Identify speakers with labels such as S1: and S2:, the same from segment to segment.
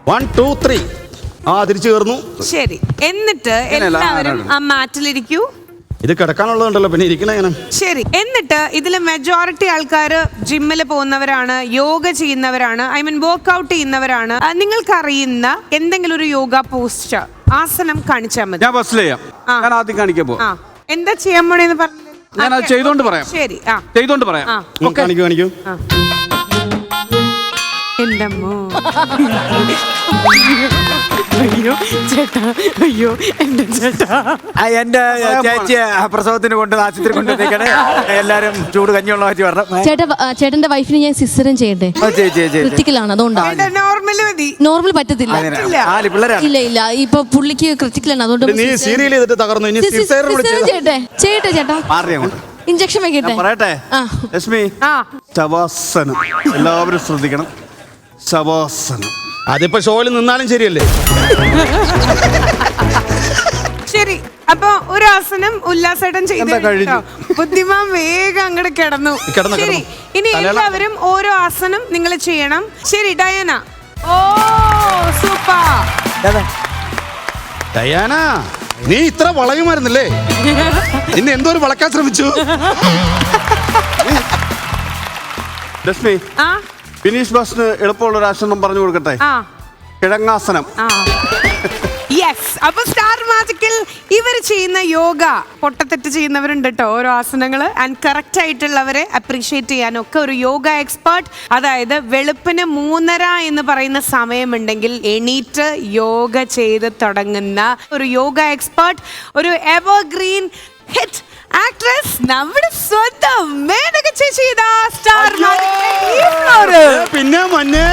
S1: 1 2 3 ആ തിരിച്ചു കയറുന്നു.
S2: ശരി, എന്നിട്ട് എല്ലാവരും ആ മാറ്റിലിരിക്കൂ.
S1: ഇത് കിടക്കാനുള്ളതുണ്ടല്ലോ, പിന്നെ ഇരിക്കണ എങ്ങനെ?
S2: ശരി, എന്നിട്ട് ഇതിൽ മെജോറിറ്റി ആൾക്കാർ ജിമ്മിൽ പോകുന്നവരാണ്, യോഗ ചെയ്യുന്നവരാണ്, ഐ മീൻ വർക്ക്ഔട്ട് ചെയ്യുന്നവരാണ്. നിങ്ങൾക്കറിയുന്ന എന്തെങ്കിലും ഒരു യോഗ പോസ്റ്റ് ആസനം കാണിച്ചാൽ മതി.
S3: ഞാൻ ബസ്സിൽ ചെയ്യാം. ഞാൻ ആദ്യം കാണിക്കാൻ പോകും.
S2: എന്താ ചെയ്യാൻ പോണേന്ന് പറഞ്ഞു.
S3: ഞാൻ അത് ചെയ്തോണ്ട് പറയാം.
S2: ശരി,
S3: ചെയ്തോണ്ട് പറയാം.
S1: കാണിക്കൂ.
S2: എന്തമ്മോ, അയ്യോ ചേട്ടാ, അയ്യോ എന്റെ ചേട്ടാ.
S4: എന്റെ ചേച്ചി പ്രസവത്തിന് കൊണ്ട് ആശുപത്രി കൊണ്ടുവന്നേക്കണേ. എല്ലാരും ചൂട് കഞ്ഞിയുള്ള മാറ്റി പറഞ്ഞു.
S5: ചേട്ടന്റെ വൈഫിന് ഞാൻ സിസ്റ്ററും ചെയ്യട്ടെ. ക്രിറ്റിക്കലാണ്, അതുകൊണ്ടാണ്. നോർമൽ പറ്റത്തില്ല. ഇല്ല ഇല്ല, ഇപ്പൊ പുള്ളിക്ക് ക്രിറ്റിക്കലാണ്, അതുകൊണ്ട് ചെയ്യട്ടെ ചേട്ടാ. ഇഞ്ചക്ഷൻ വെക്കട്ടെ.
S3: പറയട്ടെ ലക്ഷ്മി, ശവാസനം എല്ലാവരും ശ്രദ്ധിക്കണം. ശവാസനം
S1: അതിപ്പോ ഷോയിൽ നിന്നാലും ശരിയല്ലേ?
S2: ശരി, അപ്പൊ ഒരു ആസനം ഉല്ലാസേട്ടൻ ചെയ്തു. ബുദ്ധിമാൻ വേഗം അങ്ങോട്ട് കിടന്നു. ശരി, ഇനി എല്ലാവരും ഓരോ ആസനം നിങ്ങൾ ചെയ്യണം. ശരി ഡയാന. ഓ സൂപ്പർ
S1: ഡയാന, നീ ഇത്ര വളയുമായിരുന്നില്ലേ? ഇന്ന് എന്തോ ഒരു വളക്കാൻ ശ്രമിച്ചു.
S3: ലക്ഷ്മി, ഫിനിഷ് ബസ്സിന് എളുപ്പമുള്ള ഒരു ആസനം പറഞ്ഞു കൊടുക്കട്ടെ. കിഴങ്ങാസനം.
S2: യെസ്. അപ്പൊ സ്റ്റാർ മാജിക്കിൽ ഇവർ ചെയ്യുന്ന യോഗ പൊട്ടത്തെറ്റ് ചെയ്യുന്നവരുണ്ട് കേട്ടോ, ഓരോ ആസനങ്ങള്. ആൻഡ് കറക്റ്റ് ആയിട്ടുള്ളവരെ അപ്രീഷിയേറ്റ് ചെയ്യാനൊക്കെ ഒരു യോഗ എക്സ്പേർട്ട്, അതായത് വെളുപ്പിന് 3:30 എന്ന് പറയുന്ന സമയമുണ്ടെങ്കിൽ എണീറ്റ് യോഗ ചെയ്ത് തുടങ്ങുന്ന ഒരു യോഗ എക്സ്പേർട്ട്, ഒരു എവർഗ്രീൻ ഹിറ്റ് ആക്ട്രസ്, നമ്മുടെ സ്വന്തം മേനക ചേച്ചി. സ്റ്റാർ
S1: പിന്നെ മഞ്ഞേ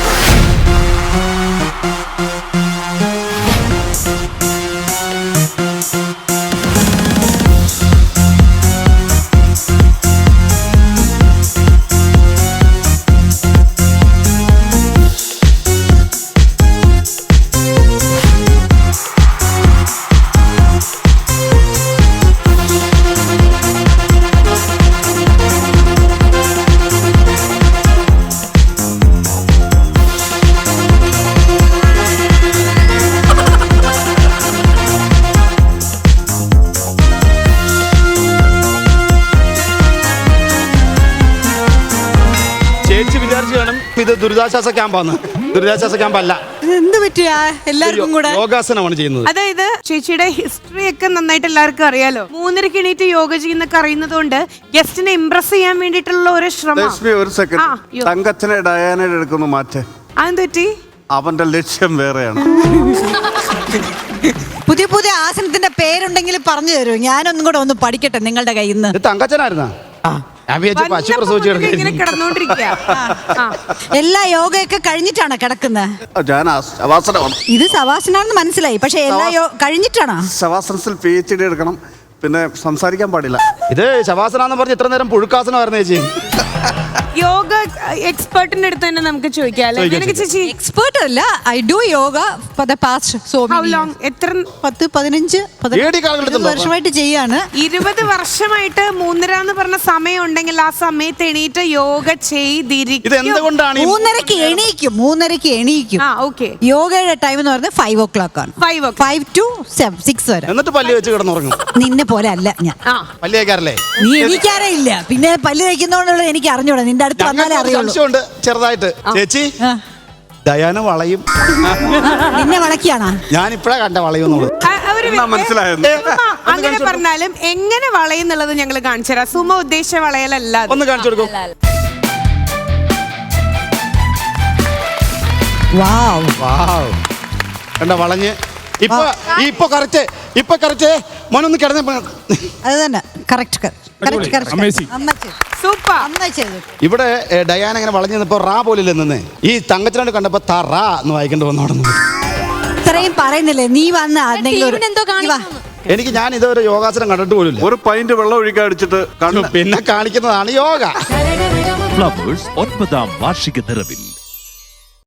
S1: ഇത് ദുരിതാശ്വാസ ക്യാമ്പാണ്. ദുരിതാശ്വാസ ക്യാമ്പല്ല.
S2: എന്ത് പറ്റിയ എല്ലാവർക്കും കൂടെ
S1: യോഗാസനമാണ് ചെയ്യുന്നത്.
S2: അതായത് ചേച്ചിയുടെ ഹിസ്റ്ററി ഒക്കെ നന്നായിട്ട് എല്ലാവർക്കും അറിയാലോ. 3:30 എണീറ്റ് യോഗ ചെയ്യുന്നൊക്കെ അറിയുന്നതുകൊണ്ട് ഗസ്റ്റിനെ ഇംപ്രസ് ചെയ്യാൻ വേണ്ടിയിട്ടുള്ള ഒരു ശ്രമം.
S3: ഒരു സെക്കൻഡ്, തങ്കച്ചനെ ഡയാനയുടെ എടുക്കുന്നു മാറ്റേ.
S2: അതെന്ത് പറ്റി?
S3: അവന്റെ ലക്ഷ്യം വേറെയാണ്.
S6: പുതിയ പുതിയ ആസനത്തിന്റെ പേരുണ്ടെങ്കിൽ പറഞ്ഞു തരൂ, ഞാനൊന്നും കൂടെ ഒന്ന് പഠിക്കട്ടെ നിങ്ങളുടെ കയ്യിൽ നിന്ന്.
S1: തങ്കച്ചനായിരുന്നാ?
S6: എല്ലാ യോഗയൊക്കെ കഴിഞ്ഞിട്ടാണ് കിടക്കുന്നത്. ഇത് ശവാസനാണെന്ന് മനസ്സിലായി, പക്ഷെ എല്ലാ കഴിഞ്ഞിട്ടാണ്.
S3: ശവാസനത്തിൽ PhD എടുക്കണം, പിന്നെ സംസാരിക്കാൻ പാടില്ല.
S1: ഇത് ശവാസനാന്ന് പറഞ്ഞ് ഇത്ര നേരം പുഴുക്കാസനമായിരുന്നു ചേച്ചി.
S2: യോഗ എക്സ്പേർട്ടിന്റെ അടുത്ത് തന്നെ നമുക്ക് ചോദിക്കാം. ചേച്ചി
S6: എക്സ്പേർട്ട് അല്ല, I do yoga for the past so
S2: long. എത്ര?
S6: 10-15 വർഷമായിട്ട് ചെയ്യാണ്.
S2: 20 വർഷമായിട്ട് 3:30 എന്ന് പറഞ്ഞ സമയം ഉണ്ടെങ്കിൽ ആ സമയത്ത് എണീറ്റ് യോഗ ചെയ്തിരിക്കും.
S6: 3:30 എണീക്കും. യോഗയുടെ ടൈം എന്ന് പറഞ്ഞാൽ 5 o'clock ആണ്. 5 to 6 വരെ.
S1: എന്നിട്ട് പല്ല് വെച്ച് കിടന്നുറങ്ങും.
S6: നിന്നെ പോലെ അല്ല ഞാൻ.
S1: പല്ല് തേക്കാറില്ലേ?
S6: നീ എനിക്കാരേ ഇല്ല, പിന്നെ പല്ല് തേക്കുന്നോണ്ടുള്ള എനിക്ക് അറിഞ്ഞൂടാ. നിന്റെ അടുത്ത് വന്നാലേ അറിയുള്ളൂ.
S1: ചെറുതായിട്ട് ചേച്ചി ഡയാന വളയും.
S6: നിന്നെ വളക്കിയാണോ?
S1: ഞാൻ ഇപ്പഴാ കണ്ട വളയുന്നുള്ളത്.
S2: അങ്ങനെ പറഞ്ഞാലും എങ്ങനെ വളയുന്നുള്ളത് ഞങ്ങൾ കാണിച്ചു തരാം. സുമ ഉദ്ദേശിച്ച വളയലല്ല.
S1: ഒന്ന് കാണിച്ചു കൊടുക്കും. കണ്ട വളഞ്ഞ് ഇപ്പൊ കറക്റ്റ് മോനൊന്ന് കിടന്ന.
S6: അത് തന്നെ കറക്റ്റ്.
S1: ഇവിടെ ഡയാന ഇങ്ങനെ വളഞ്ഞു നിന്നപ്പോ റാ പോലില്ല നിന്ന് ഈ തങ്കച്ചനോട് കണ്ടപ്പോ തറാ എന്ന് വായിക്കേണ്ടി വന്നോടുന്നു.
S6: ഇത്രയും പറയുന്നില്ലേ നീ വന്ന
S1: എനിക്ക് ഞാൻ ഇതൊരു യോഗാസനം കണ്ടിട്ട് പോലും.
S3: ഒരു പൈന്റ് വെള്ളം ഒഴിക്കാൻ അടിച്ചിട്ട്
S1: പിന്നെ കാണിക്കുന്നതാണ് യോഗ.
S7: ഫ്ലവേഴ്സ് 9ാം വാർഷിക നിറവിൽ